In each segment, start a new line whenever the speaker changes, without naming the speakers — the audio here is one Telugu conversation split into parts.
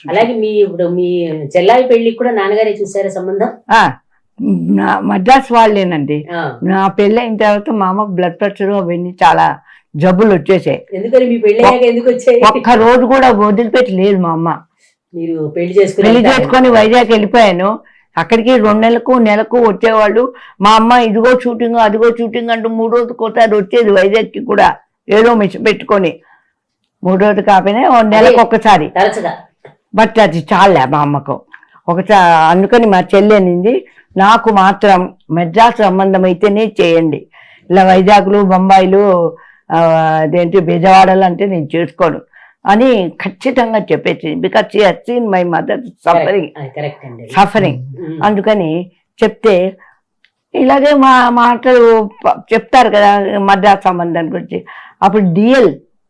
అలాగే ఇప్పుడు మీ చెల్లాయి పెళ్లికి కూడా నాన్నగారే చూసారా సంబంధం?
మద్రాస్ వాళ్ళేనండి. నా పెళ్ళి అయిన తర్వాత మా అమ్మకు బ్లడ్ ప్రెషర్ అవన్నీ చాలా జబ్బులు వచ్చేసాయి.
ఎందుకని మీ పెళ్లి ఎందుకు వచ్చాయి?
ఒక్క రోజు కూడా వదిలిపెట్టి లేదు మా అమ్మ.
మీరు పెళ్లి
చేసుకొని వైజాగ్ వెళ్ళిపోయాను. అక్కడికి 2 నెలకు వచ్చేవాళ్ళు. మా అమ్మ ఇదిగో షూటింగ్ అదిగో షూటింగ్ అంటూ 3 రోజులకోసారి వచ్చేది వైజాగ్కి కూడా, ఏదో మిషన్ పెట్టుకొని. 3 రోజులు కాకపోయినా 1 నెలకు ఒక్కసారి. బట్ అది చాలే మా అమ్మకు ఒకసారి. అందుకని మా చెల్లి అనింది, నాకు మాత్రం మెడ్రాస్ సంబంధం అయితేనే చేయండి, ఇలా వైజాగ్లు బొంబాయిలు అదేంటి బెజవాడలు అంటే నేను చేసుకోను అని ఖచ్చితంగా చెప్పేసింది. Because she has seen my mother suffering. అందుకని చెప్తే ఇలాగే మా మాటలు చెప్తారు కదా మద్రాస్ సంబంధం గురించి. అప్పుడు డిఎల్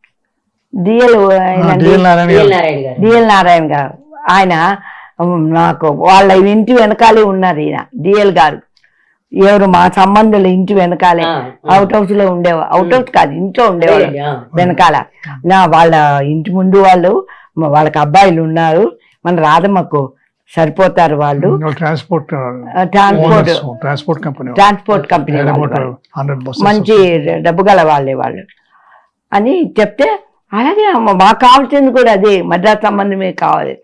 నారాయణ గారు ఆయన నాకు వాళ్ళ ఇంటి వెనకాలే ఉన్నారు. ఈయన డిఎల్ గారు ఎవరు మా సంబంధులు ఇంటి వెనకాలే అవుట్ హౌస్ లో ఉండేవాళ్ళు. అవుట్ హౌస్ కాదు, ఇంట్లో ఉండేవాళ్ళు వెనకాల. వాళ్ళ ఇంటి ముందు వాళ్ళకి అబ్బాయిలు ఉన్నారు. మన రాధమ్మకు సరిపోతారు వాళ్ళు. ట్రాన్స్పోర్ట్ కంపెనీ మంచి డబ్బు గల వాళ్ళే వాళ్ళు అని చెప్తే, అలాగే మాకు కావాల్సింది కూడా అదే, మద్రాస్ సంబంధమే కావాలి.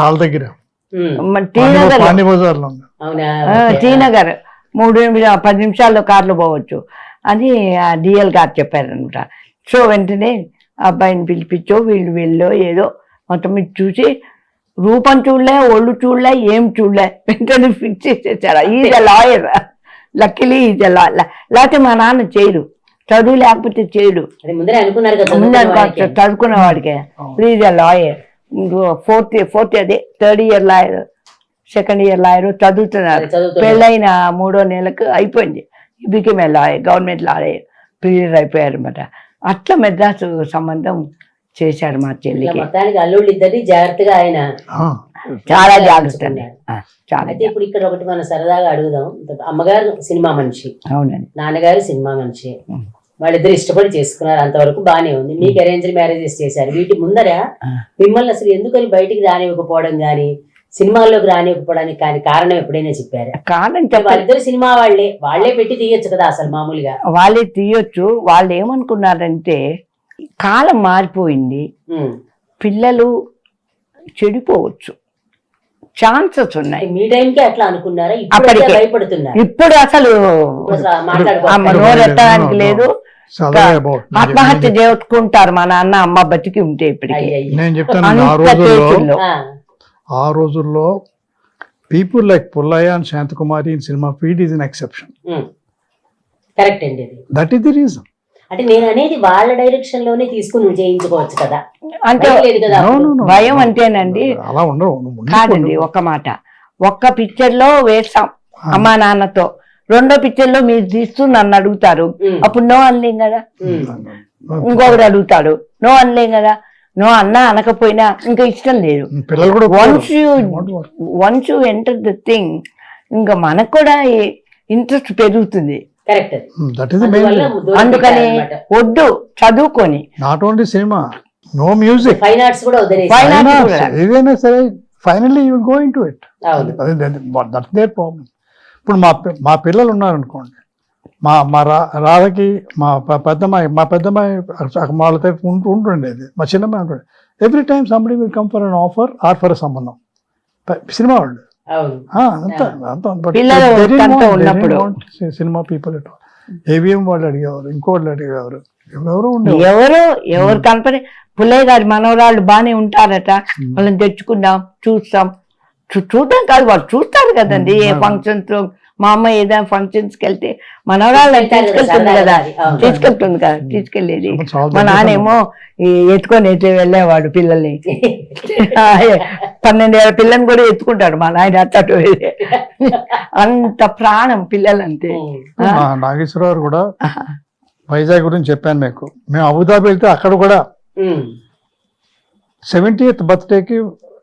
టీనగర్ 10 నిమిషాల్లో కార్లో పోవచ్చు అని డిఎల్ గారు చెప్పారనమాట. సో వెంటనే అబ్బాయిని పిలిపించో వీళ్ళు ఏదో మొత్తం మీద చూసి రూపం చూడలే, ఒళ్ళు చూడలే, ఏం చూడలే, వెంటనే ఫిక్స్ చేసేసారు. Is a lawyer, luckily is a lawyer. లేకపోతే మా నాన్న చేయడు, చదువు లేకపోతే చేయడు. చదువుకున్న వాడికే ఈజ్ ఎ లాయర్. ఫోర్త్ అదే 3rd year lawyer, 2nd year lawyer చదువుతున్నారు. పెళ్ళైన 3వ నెలకు అయిపోయింది. Became a lawyer, government lawyer, clear అయిపోయారు అనమాట. అట్లా మెడ్రాస్ సంబంధం చేశారు మా చెల్లికి.
అల్లుళ్ళు ఇద్దరిని జాగ్రత్తగా ఆయన
చాలా జాగ్రత్త.
అయితే ఇప్పుడు ఇక్కడ ఒకటి మనం సరదాగా అడుగుదాం. అమ్మగారు సినిమా మనిషి, అవునండి, నాన్నగారు సినిమా మనిషి, వాళ్ళిద్దరు ఇష్టపడి చేసుకున్నారు, అంతవరకు బానే ఉంది. మీకు అరేంజ్ మ్యారేజెస్ చేశారు. వీటి ముందర మిమ్మల్ని అసలు ఎందుకని బయటికి రానివ్వకపోవడం గానీ, సినిమాల్లోకి రానివ్వకపోవడానికి కానీ కారణం ఎప్పుడైనా చెప్పారా? వాళ్ళిద్దరు సినిమా వాళ్ళే పెట్టి తీయొచ్చు కదా అసలు మామూలుగా.
వాళ్ళే తీయొచ్చు. వాళ్ళు ఏమనుకున్నారంటే కాలం మారిపోయింది, పిల్లలు చెడిపోవచ్చు, ఛాన్సెస్ ఉన్నాయి.
మీ టైంకి అట్లా అనుకున్నారా? భయపడుతున్నారు.
ఇప్పుడు అసలు నోరెత్తడానికి లేదు. ఆత్మహత్య చేసుకుంటారు మా నాన్న అమ్మ బతికి ఉంటే. ఇప్పటికి
నేను చెప్తాను, ఆ రోజుల్లో people like Pullayya and Shantakumari in cinema field is an exception.
Correct అండి.
That is the reason.
అంటే నేను అనేది వాళ్ళ డైరెక్షన్ లోనే తీసుకుని చేయించుకోవచ్చు కదా.
అంటే భయం అంటేనండి
అలా ఉండవు
కాదండి. ఒక మాట, ఒక్క పిక్చర్ లో వేస్తాం అమ్మా నాన్నతో, 2వ పిక్చర్ లో మీరు తీస్తూ నన్ను అడుగుతారు, అప్పుడు నో అనలేం కదా. ఇంకొకరు అడుగుతాడు, నో అనలేం కదా. నో అన్నా అనకపోయినా ఇంకా ఇష్టం లేదు. Once you enter the thing, ఇంకా మనకు కూడా ఇంట్రెస్ట్ పెరుగుతుంది. అందుకని వద్దు చదువుకొని.
Not only cinema, no music,
fine arts కూడా
ఏదైనా సరే finally you will go into it. That's their problem. ఇప్పుడు మా పిల్లలు ఉన్నారనుకోండి, మా రాధకి మా పెద్దమ్మాయి వాళ్ళతో ఉంటుండేది, మా చిన్నమ్మాయి ఉంటుండే. Every time somebody will come for an offer or for సంబంధం. సినిమా వాళ్ళు సినిమా పీపుల్ ఏవిఎం వాళ్ళు అడిగేవారు, ఇంకోళ్ళు అడిగేవారు,
ఎవరు కనపడి పుల్లయ్య గారి మనవరాళ్ళు బానే ఉంటారట, వాళ్ళని తెచ్చుకుందాం చూస్తాం. చూడటం కాదు, వాళ్ళు చూస్తారు కదండి. ఏ ఫంక్షన్స్ లో మా అమ్మ ఏదైనా ఫంక్షన్స్ కి వెళ్తే మనవరాళ్ళు తీసుకెళ్తుంది కదా, తీసుకెళ్లేది. మా నాన్నేమో ఎత్తుకొని వెళ్ళేవాడు పిల్లల్ని. 12 ఏళ్ల పిల్లని కూడా ఎత్తుకుంటాడు మా నాయన. అట్టటు అంత ప్రాణం పిల్లలంటే.
నాగేశ్వరరావు కూడా వైజాగ్ గురించి చెప్పాను మీకు. మేము అబుదాబి వెళ్తే అక్కడ కూడా 70th బర్త్డేకి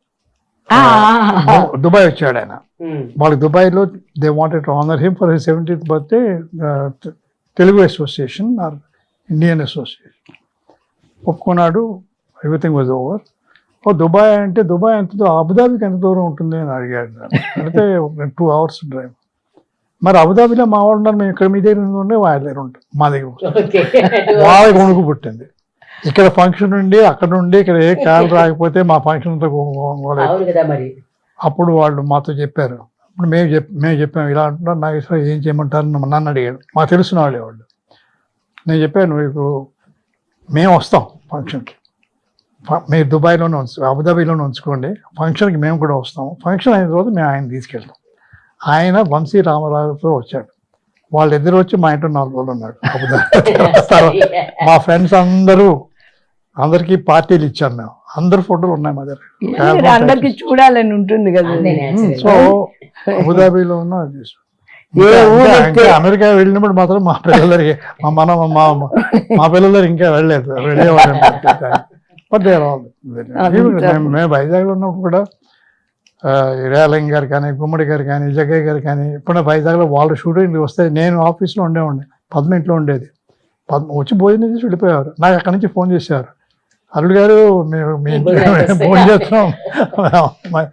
దుబాయ్ వచ్చాడు ఆయన. వాళ్ళకి దుబాయ్ లో they wanted to honour him for his 70th birthday. Telugu association or Indian association ఒప్పుకున్నాడు. Everything was over. ఓ దుబాయ్ అంటే దుబాయ్ ఎంత అబుదాబికి ఎంత దూరం ఉంటుంది అని అడిగాడు నన్ను. అంటే 2 hours డ్రైవ్. మరి అబుదాబిలో మా వాళ్ళు ఉన్నారు, మేము ఇక్కడ మీ దగ్గర ఉండే వాళ్ళ దగ్గర ఉంటాం, మా దగ్గర ఉంటాం.
ఓకే
వాళ్ళకి వణుకు పుట్టింది. ఇక్కడ ఫంక్షన్ ఉండి అక్కడ ఉండి ఇక్కడ ఏ కాల్ రాకపోతే మా ఫంక్షన్ అంతా
అవును కదా మరి.
అప్పుడు వాళ్ళు మాతో చెప్పారు. ఇప్పుడు మేము చెప్పాము ఇలా అంటున్నారు, నాకు ఇష్టం ఏం చేయమంటారు నన్ను అడిగాడు. మాకు తెలిసిన వాళ్ళే వాళ్ళు. నేను చెప్పాను మీకు మేము వస్తాం ఫంక్షన్కి, మీరు దుబాయ్లోనే అబుదాబీలోనే ఉంచుకోండి, ఫంక్షన్కి మేము కూడా వస్తాము. ఫంక్షన్ అయిన తర్వాత మేము ఆయన తీసుకెళ్తాం. ఆయన వంశీ రామారావుతో వచ్చాడు. వాళ్ళిద్దరు వచ్చి మా ఇంట్లో 4 రోజులు ఉన్నాడు అబుదాబి. మా ఫ్రెండ్స్ అందరికీ పార్టీలు ఇచ్చాం మేము. అందరు ఫోటోలు ఉన్నాయి మా దగ్గర.
అందరికి చూడాలని ఉంటుంది కదా.
సో అబుదాబీలో ఉన్న అమెరికా వెళ్ళినప్పుడు మాత్రం మా పిల్లలకి మా పిల్లలు ఇంకా వెళ్ళలేదు, వెళ్ళేవాళ్ళు. బట్ మేము వైజాగ్లో ఉన్నప్పుడు కూడా రేలంగి గారు కానీ, గుమ్మడి గారు కానీ, జగ్గయ్య గారు కానీ, ఇప్పుడు వైజాగ్లో వాళ్ళు షూటింగ్లు వస్తే నేను ఆఫీస్లో ఉండేవాడిని, పద్మ ఇంట్లో ఉండేది. వచ్చి భోజనం చేసి వెళ్ళిపోయేవారు. నాకు అక్కడి నుంచి ఫోన్ చేసేవారు, అల్లుడు గారు మేము మీ ఫోన్ చేస్తున్నాం,